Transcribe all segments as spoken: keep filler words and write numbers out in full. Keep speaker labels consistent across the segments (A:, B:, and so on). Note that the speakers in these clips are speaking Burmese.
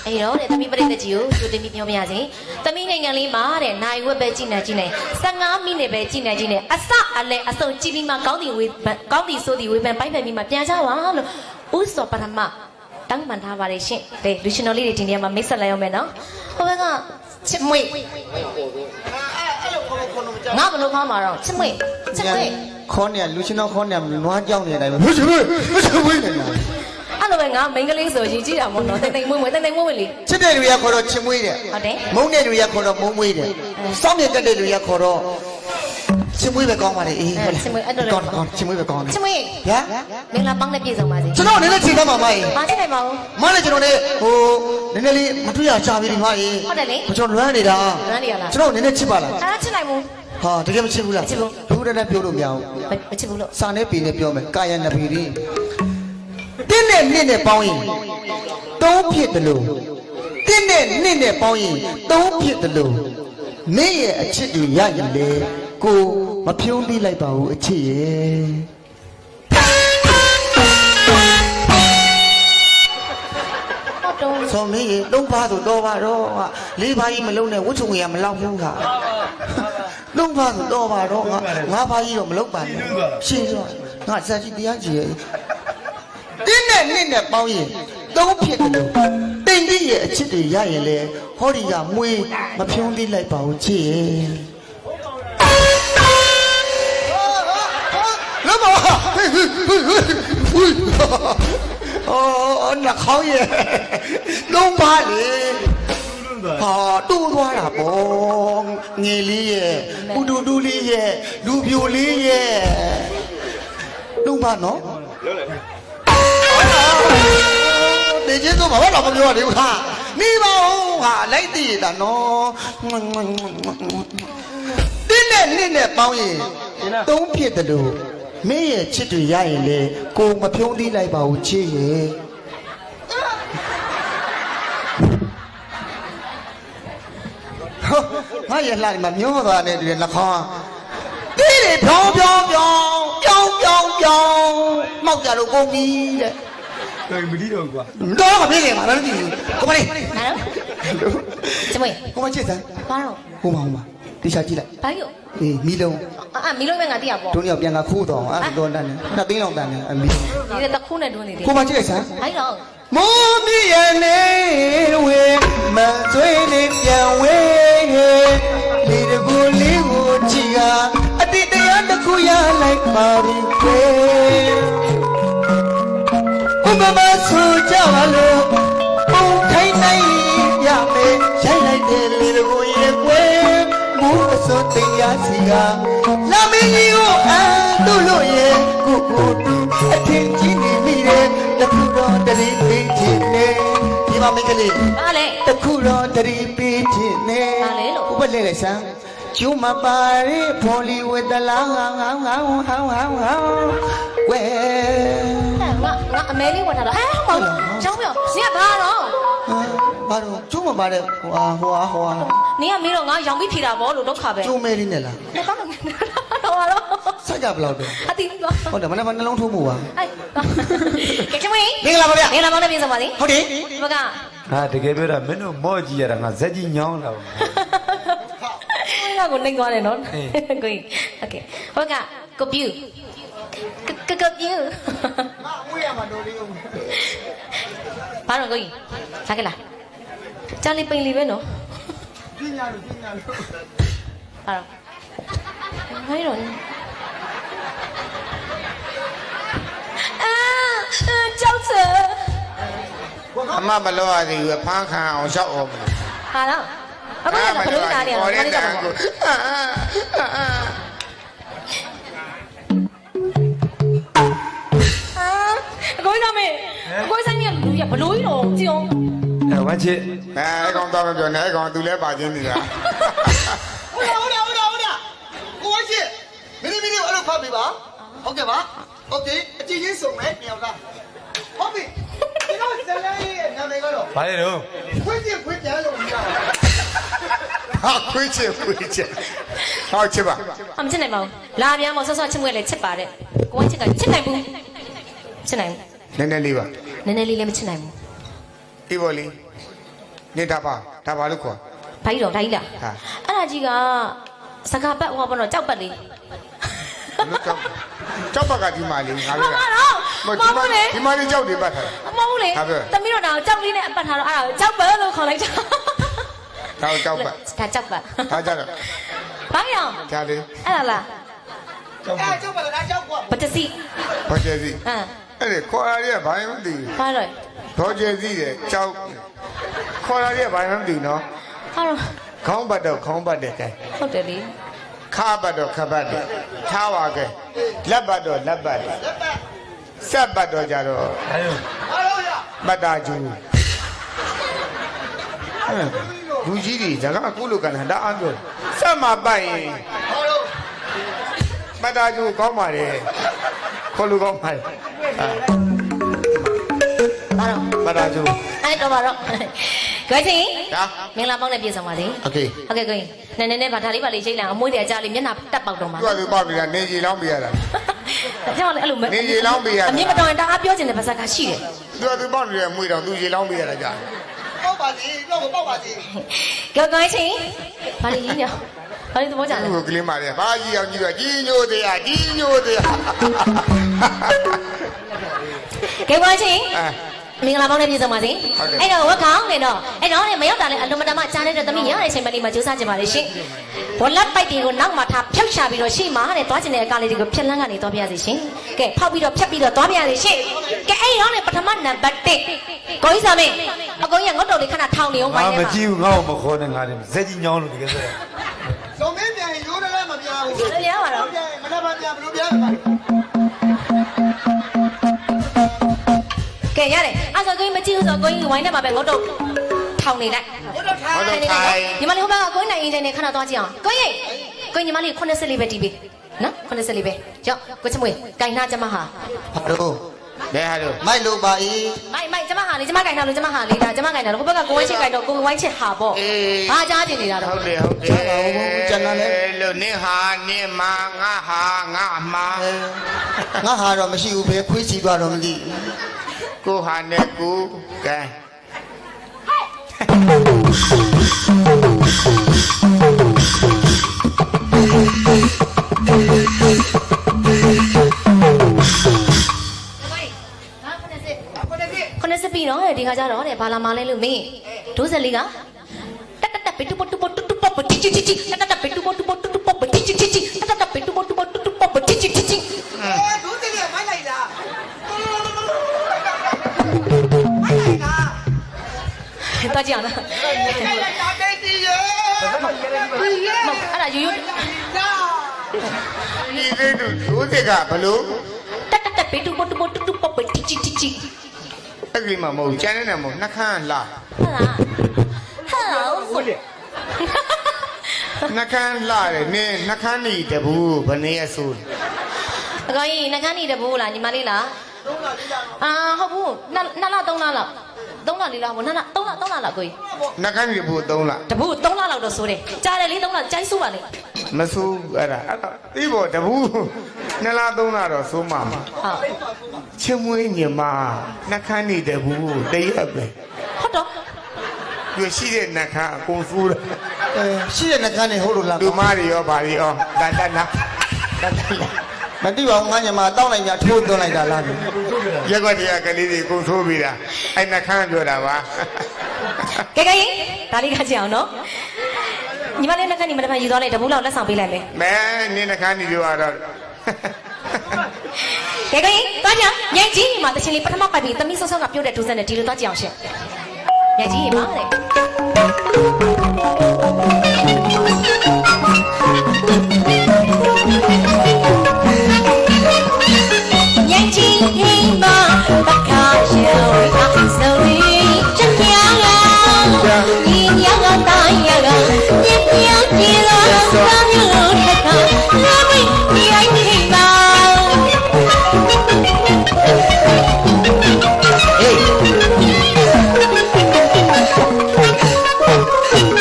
A: အေးတော့တဲ့သမီးပရိသတ်ကြီးကိုကြိုတင်ပြီးပြောပြရစီသမီးနိုင်ငံလေးမှာတဲ့နိုင်ဝက်ပဲကြည်နေကြည်နေ15မိနစ်ပဲကြည်နေကြည်နေအစအလဲအစုံကြည်ပြီးမှကောင်းတီဝေးကောင်းတီဆိုးတီဝေးပန်ပိုင်းဖက်ပြီးမှပြန်ကြပါလို့ဥစောပရမတောင်းပန်ထားပါတယ်ရှင်တဲ့လူရှင်တော်လေးတွေဒီနေရာမှာမိတ်ဆက်လိုက်အောင်မယ်နော်ဟိုဘက်ကချစ်မွေငါဘလို့ခေါင်းမှာတော့ချစ်မွေချစ်မွေ
B: ခေါင်းเนี่ยလူရှင်တော်ခေါင်းเนี่ยနွားကြောက်နေတယ်ပဲမချစ်မွေမချစ်မွေနေတာ
A: အဲ့လိုပဲငါမိန်းကလေးဆိုရင်ကြည့်တာမို့နော်တိတ်တိတ်မွေ့မွေ့တိတ်တိတ်မွေ့မွေ့လေ
B: ချစ်တဲ့လူရခေါ်တော့ချစ်မွေးတယ်
A: ဟုတ်တယ်
B: မုန်းတဲ့လူရခေါ်တော့မုန်းမွေးတယ်စောင့်မြတ်တဲ့လူရခေါ်တော့ချစ်မွေးပဲကောင်းပါလေအေး
A: ချစ်မွေ့အဲ့လိုလေ
B: ကောင်းကောင်းချစ်မွေးပဲကောင်းတယ်
A: ချစ်မွေ့
B: ဗျာ
A: မင်္ဂလာပေါင်းနဲ့ပြည့်စုံပါစေ
B: ကျွန်တော်နည်းနည်းချိန်သားပါမကြီး
A: မချစ်နိုင်ပါဘူး
B: မလည်းကျွန်တော်လည်းဟိုနည်းနည်းလေးမတွေ့ရချပြီဒီမကြီး
A: ဟုတ်တယ်လေ
B: ကျွန်တော်လွမ်းနေတာ
A: လွမ်းနေရလား
B: ကျွန်တော်နည်းနည်းချစ်ပါလား
A: အားချစ်နိုင်ဘူး
B: ဟာတကယ်မချစ်ဘူးလား
A: မချစ်ဘူး
B: ဘူးတည်းနဲ့ပြောလို့မရဘူး
A: မချစ်ဘူးလို့
B: စာနဲ့ပေနဲ့ပြောမယ်ကာယနဗီရီတင်းနဲ့နှစ်နဲ့ပေါင်းရင်သုံးဖြစ်တယ်လို့တင်းနဲ့နှစ်နဲ့ပေါင်းရင်သုံးဖြစ်တယ်လို့မင်းရဲ့အချစ်တွေရရင်လေကိုမဖြုံးပြီးလိုက်ပါဘူးအချစ်ရဲ့ဆောမင်းရေသုံးပါဆိုတော့ပါတော့လေးပါးကြီးမလုံးနဲ့ဝှချုံရမလောက်ဘူးခါလုံးပါဆိုတော့ပါတော့ငါငါးပါးကြီးတော့မလောက်ပါနဲ့ရှင်းတော့ငါစက်ကြီးတရားကြီးရဲ့တင်းနဲ့နှစ်နဲ့ပေါင်းရင်သုံးဖြစ်တယ်လို့တိမ်ပြီးရဲ့အချစ်တွေရရင်လေဟောဒီကမွေးမဖြုံးသေးလိုက်ပါဘူးချစ်ရဲ့လောမအော်နှာခေါင်းရဲ့လုံးပါလေဟာတူသွားတာပေါ့ငယ်လေးရဲ့ပူတူတူလေးရဲ့လူပြိုလေးရဲ့လုံးပါနော်တေကျေတော့ဘာလို့မပြောရသေးဘူးဟာနေပါဦးဟာလိုက်တည်တာနော်တင်းနဲ့နှစ်နဲ့ပေါင်းရင်သုံးဖြစ်တယ်လို့မင်းရဲ့ချစ်တွေရရင်လေကိုမဖြုံးသီးလိုက်ပါဘူးချစ်ရဲ့ငါရလှတယ်မမျောသွားတဲ့ဒီလက်ခေါင်းတီးတွေဖြောင်းဖြောင်းဖြောင်းဖြောင်းဖြောင်းဖြောင်းမောက်ကြတော့ကုန်ပြီတဲ့
C: 对，没理到过。
B: တော့မပြေခင်ပါလားဒီကိုမလေး
A: ဟာတော့ချစ်မွေ
B: ကိုမချစ်စမ်း
A: ဘာတော့
B: ဟိုမှာဟိုမှာတေချာကြည့်လိုက်
A: ဘာလို့
B: အေးမီလုံး
A: အာမီလုံးပဲငါသိရပေါ့
B: တို့ညောင်ပြန်ကခိုးတော့အဲ့တော့တန်းတယ်နှစ်သိန်းလောက်တန်းတယ်အမီ
A: ဒီတခုနဲ့တွန်းနေတယ်
B: ကိုမကြည့်လိုက်စမ်း
A: ဟိုင်းတော့
B: မိုးမြရဲ့နေဝေမဆွေးနေပြန်ဝေးလေတကူလေးကိုကြည့်ကအတိတ်တရားတစ်ခုရလိုက်ပါပြီကွယ်ဘုမမဆူကြပါလို့ဘုံထိုင်နိုင်ရမယ်ရိုက်လိုက်တယ်လေတကူရဲ့ကွယ်မိုးအစိုးတင်ရစီကလာမင်းကြီးကိုအတူလို့ရဲ့ကိုကိုတူအထင်ကြီးနေမိတယ်တခုတော့တရီပေးခြင်းနဲ့ဒီမှာမိကလေး
A: ဘာလဲ
B: တခုတော့တရီပေးခြင်းနဲ့
A: ဘာလဲလို့
B: ဘုဘလဲလေဆန်းကျူမပါရီဘောလီဝဒလာငါငါငါဟောဟောဟောဟောဝဲ
A: ငါငါအမဲလေးဝတ်ထားတော့အဲဟောကျောင်းပြောဇင်ကဘာတော့
B: ဘာတော့ကျူမပါတဲ့ဟိုဟာဟိုဟာဟိုဟာ
A: နင်ကမင်းတော့ငါရောင်ပြီးဖြေတာပေါ့လို့ဒုက္ခပဲ
B: ကျူမဲလေးနဲ့လား
A: တော့တော့တော့
B: ဆက်ကြဘလောက်တော့
A: အတိတော့
B: ဟုတ်တယ်မနေ့ကနှလုံးထိုးမှုပါ
A: အဲကဲချမင်း
B: မင်္ဂလာပါဗျာ
A: မင်္ဂလာပါနဲ့ပြင်စပါစေ
B: ဟုတ်တယ်
A: ဘက
C: ဟာတကယ်ပြောတာမင်းတို့မော့ကြည့်ရတာငါဇက်ကြီးညောင်းလာ
A: ဘူးငါကိုနှိမ်သွားတယ်နော်ကိုကြီးโอเคဘကကိုပြူကကပြူ
B: ငါဝေးရမှာတော်လေးဦး
A: ဘာတော့ကိုကြီးလာခဲ့လားကြားလေးပိန်လေးပဲနော်
B: ပညာလို့ပညာလို့
A: ဟာတော့ဟိုင်းတော့အာကြောက်စဲ
B: အမမလို့ရသေးဘူးဖမ်းခံအောင်ရှောက်အောင်
A: ဟာတော့အခုလည်းဘလို့နားနေရအောင်ခါလေးကြောက်ပါအကိုကြီးတော့မေအကိုဆိုင်ကြီးကလူရဘလို့ကြီးတော့ကြည့်အောင်
C: အဲဝမ်းချစ်
B: အဲကောင်တော့မပြောနဲ့ကောင်သူလဲပါချင်းနေတာဟုတ်တယ်ဟုတ်တယ်ဟုတ်တယ်ကိုဝမ်းချစ်မင်းမင်းအဲ့လိုဖတ်ပြီပါဟုတ်ကဲ့ပါโอเคအကြည့်ချင်းစုံမယ်မြောက်လားဟုတ်ပြီဒီတော့ဇလန်ရဲ့နာမည်ကတော့
C: ဘာလဲတော့
B: ခွေးချစ်ခွေးကြလို့မရဘူးဟာခွေးချစ်ခွေးချစ်ဟောချစ်ပါ
A: အမချစ်နိုင်ပါဘူးလာပြန်မဆော့ဆော့ချစ်မွေးလေချစ်ပါတဲ့ကိုဝမ်းချစ်ကချစ်နိုင်ဘူးချစ်နိုင်ဘူး
B: နည်းနည်းလေးပါ
A: နည်းနည်းလေးလည်းမချစ်နိုင်ဘူး
B: အေးပါလေ
D: နေတာပါဒါပါလို့ခေါ်
A: ဘာကြီးတော့ဒါကြီးလား
D: ဟာ
A: အဲ့ဒါကြီးကစကားပတ်ဟောပေါ့နော်ကြောက်ပတ်လေး
D: လို့ကြောက်ကြောက်ပါကဒီမာလေးငါ
A: မ
D: ပြော
A: မ
D: တာ
A: တော့
D: မ
A: မ
D: ဒီ
A: ဟုတ်
D: မာ
A: ဘူးလေ
D: ဒီမာလေးကြောက်တယ်ပတ်ထား
A: မဟုတ်ဘူးလေသမီးတို့တော့ကြောက်လေးနဲ့အပတ်ထားတော့အဲ့ဒါကြောက်ပတ်လို့ခေါ်လိုက်တာ
D: တာဒါကြောက်ပါ
A: ဒါကြောက်ပတ်
D: ဒါကြတော့
A: ဘာရောင်
D: ဒါလေး
A: အဲ့ဒါလား
B: အဲကျောက်ပါလားကျောက်ကွာ
A: ပတစီ
D: ဘောကျစီ
A: ဟမ်
D: အဲ့ဒီခေါ်ရရဘာမှမသိ
A: ဘာလို့
D: ဘောကျစီတဲ့ကြောက်ခေါ်ရရဘာမှမသိနော်
A: ဟာတော့
D: ခေါင်းပတ်တော့ခေါင်းပတ်တဲ့ကဲ
A: ဟုတ်တယ်လေ
D: ခါပတ်တော့ခပတ်တယ်ထားပါကဲလက်ပတ်တော့လက်ပတ်တယ်ဆက်ပတ်တော့ကြတော့
C: အဲ့လို
D: မတ်တာကျူလူကြီးတွေဇာကကုလိုကန်တာအားပြောဆက်မပတ်ရင်မတ်တာကျူကောင်းပါလေခေါ်လူကောင်းပါလေ
A: ဘာတော့
D: မတ်တာကျူ
A: အဲ့တော့ဘာတော့ကြွေးချင်း
D: ဒါ
A: မင်္ဂလာပေါင်းနဲ့ပြည့်စုံပါစေ
D: โอเค
A: ဟုတ်ကဲ့ကိုင်းနည်းနည်းနဲ့ဗာဒါလေးပါလေးချိတ်လိုက်အမွှေးတွေအကြလေးမျက်နှာတက်ပေါက်တော့မှာ
D: သူကသူပေါ့ပြီလားနေကြီးလောင်းပြရတာ
A: ကျွန်တော်လည်းအဲ့လို
D: နေကြီးလောင်းပြရတာ
A: အမြင်မတော်ရင်တအားပြောချင်တဲ့ပါဇက်ကရှိတယ်
D: သူကသူပေါ့နေတယ်မွေတော့သူကြီးလောင်းပြရတာကြာ
B: ပေါက်ပါစီတော့ပေါက်ပါစီ
A: ကြောက်ကိုင်းချင်းဘာလေးကြီးညဘာလေးသဘောကျလဲ
D: သူ့ကိုကလေးမလေးဘာကြီးအောင်ကြီးတော့ကြီးညိုသေးရကြီးညိုသေးရ
A: ကြောက်ကိုင်းချင်း
D: အဲ
A: မင်္ဂလာပေါင်းနဲ့ပြည့်စုံပါစေအဲ့တော့ဝက်ခေါင်းနေတော့အဲ့တော့မရောက်တာလဲအလုံးမတမကြားနေတဲ့သမီးရတဲ့အချိန်မလေးမှာကြိုးစားကြပါလေရှင်ဘလက်ပိုက်တွေကိုနောက်မှာထားဖြောက်ချပြီးတော့ရှေ့မှာတဲ့သွားကျင်တဲ့အကားလေးတွေကိုဖြက်လန်းကနေသွားပြရစီရှင်ကဲဖောက်ပြီးတော့ဖြက်ပြီးတော့သွားပြရစီရှင်ကဲအဲ့တော့လေပထမနံပါတ်၁ကိုကြီးစာမင်းအကုန်ကြီးငုတ်တော်လေးခဏထောင်နေအောင်
C: ငါ
A: ပိုင်းထဲ
C: မ
A: မှာ
C: ကြည့်ဘူးငါ့ကိုမခေါ်နဲ့ငါတယ်ဇက်ကြီးညောင်းလို့တကယ်ဆို
B: ဇုံမင်းပြန်ရိုးတယ်မပြဘူး
A: လျားပါတော့
B: ပြန်မနှက်ပါပြန်ဘလို့ပြန်
A: ကဲရတယ်အဲ့ဆိုကိုကြီးမကြည့်ဘူးဆိုကိုကြီးဝိုင်းထဲမှာပဲငုတ်တော်ထောင်နေလိုက်
B: ဟုတ်တော့ထား
D: ဟောတော့ထိုင်
A: ညီမလေးဟိုဘက်ကကိုကြီးနိုင်အင်ဂျင်နဲ့ခဏသွားကြည့်အောင်ကိုကြီးကိုကြီးညီမလေး80လေးပဲတီးပေးနော်80လေးပဲကြောက်ကိုချမွေကင်နာကျမဟာ
B: ဘာလို့
D: လဲဟာတော့
B: မိုက်လို့ပါအေး
A: မိုက်မိုက်ကျမဟာလေကျမကင်နာလို့ကျမဟာလေးဒါကျမကင်နာလို့ဟိုဘက်ကကိုဝိုင်းချစ်ကင်တော့ကိုဝိုင်းချစ်ဟာပေါ့ဘာကြားကျင်နေတာတော့
D: ဟုတ်တယ်ဟုတ်တယ်လို့နင်းဟာနင်းမာငါဟာငါအမာ
B: ငါဟာတော့မရှိဘူးပဲခွေးစီသွားတော့မသိ
D: ကိုဟာနဲ့ကိုကဲ
A: ခုနစ်ပြီနော်ဒီခါကျတော့တဲ့ဘာလာမလဲလို့မင်းဒိုးဆက်လေးကတက်တက်တက်ပီတူပတူပတူတူပပတီချီချီတက်တက်တက်ပီတူပတူပတူတူပပတီချီချီတက်တက်တက်ပီတူပတူပတူတူပပတီချီချီ
B: အဲဒုတိယမိုက်လိုက်တာမိုက်လိုက်တာ
A: တော့ကြည့်အောင်နော်
B: မိုက်လိုက်တာတေးတီးရဲ့ပြီးရဲ့
A: အဲ့ဒါယူယူ
B: နာ
D: ဒီလေးတို့ဒိုးတဲ့ကဘလို့
A: တက်တက်တက်ပီတူပတူပတူတူပပတီချီချီ
D: အဲ့ဒီမှာမဟုတ်ကျန်နေတယ်မဟုတ်နှခမ်းလာ
A: ဟာလားဟာဟုတ်လေ
D: နှခမ်းလာတယ်နင်းနှခမ်းနေတဘူးဘယ်နေရဆိုး
A: အကောင်ကြီးနှကန်းနေတယ်ဘိုးလားညီမလေးလားအာဟုတ်ဘူးနှစ်နှစ်လသုံးလလောက်သုံးလလေးလောက်ဘိုးနှစ်လသုံးလသုံးလလောက်ကိုကြီး
D: နှခမ်းနေဘူးသုံးလား
A: တဘူးသုံးလလောက်တော့ဆိုတယ်ကြားတယ်လေးသုံးလကြိုင်းဆိုးပါလေ
D: မဆိုးအဲ့ဒါအဲ့ဒါဒီဘောတဘူးနှစ်လားသုံးလားတော့ဆိုးမှာ
A: ဟုတ်
D: ချင်းမွေးညီမနှခမ်းနေတဘူးတရက်ပဲ
A: ဟုတ်တော့
D: သူရှိတဲ့နှခမ်းအကုန်ဆိုးတယ်
B: အဲရှိတဲ့နှကန်းနေဟုတ်လို့လား
D: လူမတွေရောဗာတွေရောတန်တန်နာတန်တန်နာ
B: မတိပါဘူးငါညမတောင်းလိုက်ကြထိုးသွင်းလိုက်တာလား
D: ရက်ကွက်တွေကကလေးတွေကုန်ဆိုးပြီလားအဲ့နှခမ်းပြောတာပါ
A: ကဲကဲဒါလေးကကြည့်အောင်နော်ညီမလေးနှကန်းညီမတစ်ဖက်ယူသွားလိုက်တဘူးလောက်လက်ဆောင်ပေးလိုက်မယ်
D: မဲနင်းနှခမ်းနေပြောတော့
A: ကဲကဲသွားကြညင်ကြီးမှာတချင်လေးပထမပိုက်ပြီးသမီးဆော့ဆော့ကပြုတ်တဲ့ဒူးစက်နဲ့ဒီလိုသွားကြည့်အောင်ရှင်ညင်ကြီးမှာတဲ့ညင်ကြီးဟိမဘခါရောဆိုရီချက်ပြားညီညာကတိုင်းရကညင်ပြောင်းကြည့်လို့သာမျိုးထက်ကလာမိရိုင်းဟိမ
B: ဟေး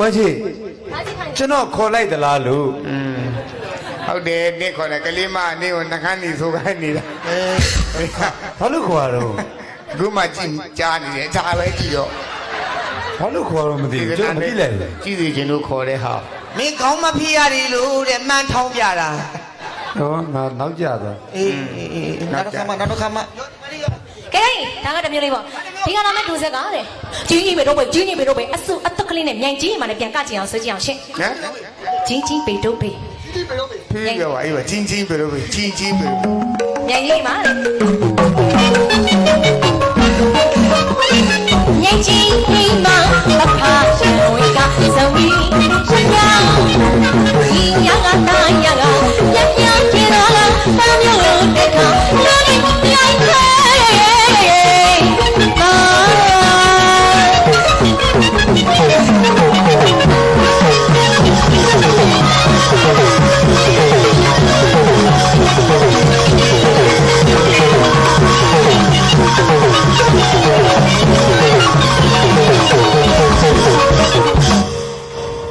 C: ချေကျွန်တော်ခေါ်လိုက်သလားလို့
D: อืมဟုတ်တယ်နေ့ခေါ်တယ်ကလေးမနေ့ကိုနှခမ်းနေဆိုခိုင်းနေတာ
C: ဘာလို့ခေါ်ရတော့
D: အခုမှကြည့်ကြားနေတယ်ဒါပဲကြည့်တော့
C: ဘာလို့ခေါ်တော့မသိဘူးကျွန်တော်မသိလိုက်ဘူး
D: ကြည့်စီခြင်းလို့ခေါ်တဲ့ဟာ
B: မင်းကောင်းမဖြစ်ရတယ်လို့တဲ့မှန်ထောင်းပြတာ
C: ဟောငါနောက်ကြသွား
B: အေးအေးအေးနောက်တစ်ခါမှနောက်တစ်ခါမှ
A: ကဲဒါကတမျိုးလေးပေါ့ဒီကနာမဲ့ဒူဆက်ကတဲ့ကြီးကြီးပဲတော့ပဲကြီးကြီးပဲတော့ပဲအဆုအသက်ကလေးနဲ့မြိုင်ကြီးမှလည်းပြန်ကကြည့်အောင်ဆွဲကြည့်အောင်ရှင်း
D: ဟမ်
A: ကြီးကြီးပဲတော့ပဲ
D: ဖေးပြောပါအေးပါချင်းချင်းပဲလို့ပဲချင်းချင်းပဲ
A: မြိုင်ကြီးမှတဲ့မြိုင်ကြီး